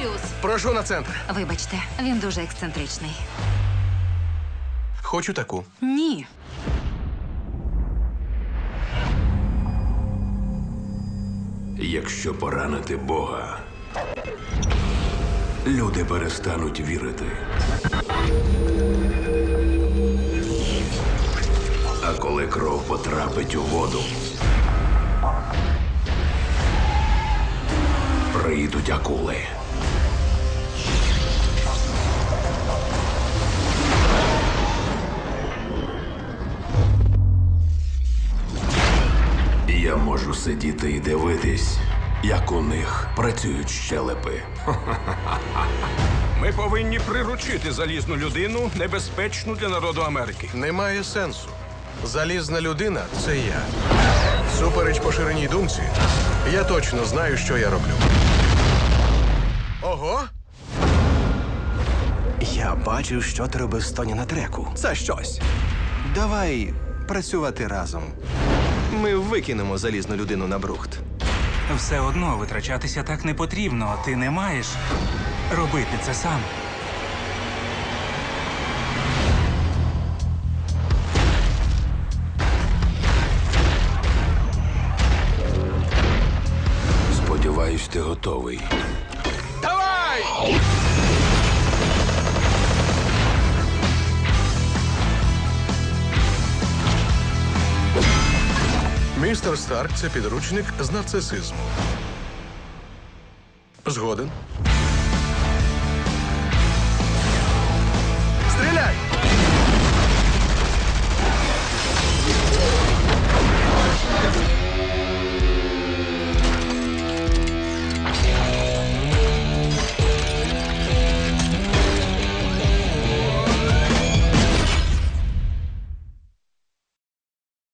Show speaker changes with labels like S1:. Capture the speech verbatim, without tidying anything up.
S1: Брюс.
S2: Прошу на центр.
S1: Вибачте, він дуже ексцентричний.
S2: Хочу таку.
S1: Ні.
S3: Якщо поранити Бога, люди перестануть вірити. А коли кров потрапить у воду, прийдуть акули. Я можу сидіти і дивитись, як у них працюють щелепи.
S4: Ми повинні приручити залізну людину, небезпечну для народу Америки.
S2: Немає сенсу. Залізна людина – це я. Супереч поширеній думці, я точно знаю, що я роблю. Ого!
S5: Я бачив, що ти робив з Тоні на треку. Це щось. Давай працювати разом. Ми викинемо залізну людину на брухт.
S6: Все одно витрачатися так не потрібно. Ти не маєш робити це сам.
S3: Сподіваюсь, ти готовий.
S2: Давай! Містер Старк – це підручник з нарцисизму. Згоден. Стріляй!